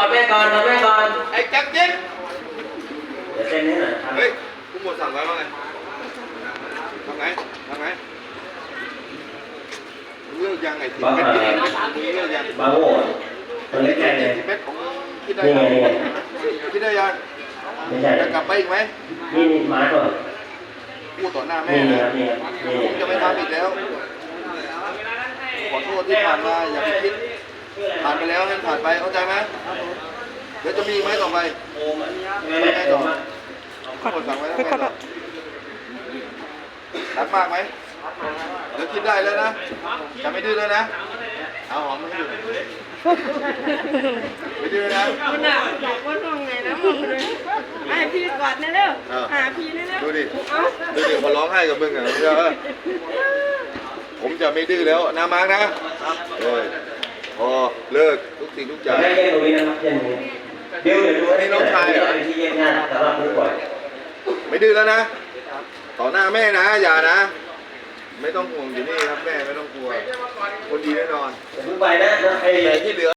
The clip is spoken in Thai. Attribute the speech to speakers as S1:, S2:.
S1: อแม่ก่อนถอดแม่ก่อน
S2: ไอ้แจ็คจิ๊ก
S1: เดี๋ยวเต้นให้หน่อยครับ
S2: เฮ้ยผู้หมวดสั่งไว้ว่าไงทำไงเลือกยังไงทีเม็ดเลือกยัง
S1: บางโง่ตัวเล็กแค่เลย
S2: ทีเม็ดของคิดได้
S1: นี่
S2: ยั
S1: ไง
S2: ง
S1: นี่ไง
S2: คิดได้ยัง
S1: ไม่ใช่
S2: จะกลับไปอีกไหม
S1: นี่มาก่อน
S2: พูดต่อหน้าแม่
S1: นี่
S2: นะ
S1: ครับนี่ครับนี่
S2: ผมจะไม่ทำอีกแล้วขอโทษที่ผ่านมาอย่าไปคิดผ่านไปแล้วให้ผ่านไปเข้าใจไหมเดี๋ยวจะมีไหมต่อไป
S1: ไม่ได้ต่อมา
S2: ผู้หมวดสั่งไว้แล้วไงต่อรักมากไหมเดี๋ยวคิดได้แล้วนะจะไม่ดื้อแล้วนะเอาหอมไม่หยุดไม่ดื้อนะ
S3: คุณอ่ะบอกว่าตรงไหนนะบอกเลยให้พี่กอดนะเร็วหาพี่นะเร็ว
S2: ดูดิ
S3: เอ้า
S2: ดูดิเขาร้องไห้กับมึงอ่ะผมจะไม่ดื้อแล้วนะมาร์กนะพอเลิกทุกสิ่งทุกอย่าง
S1: ไม่เย็นตรงนี้นะครับเย็นตรงนี้เดี๋ยวดูที่เย็นงานสำหรับผู้ป่วย
S2: ไม่ดื้อแล้วนะ ต่อหน้าแม่นะอย่านะ ไม่ต้องห่วงอยู่นี่ครับแม่ไม่ต้องกลัวคนดีแน่นอน
S1: อย่าเพิ่งไปนะไอ้
S2: แต่ที่เหลือ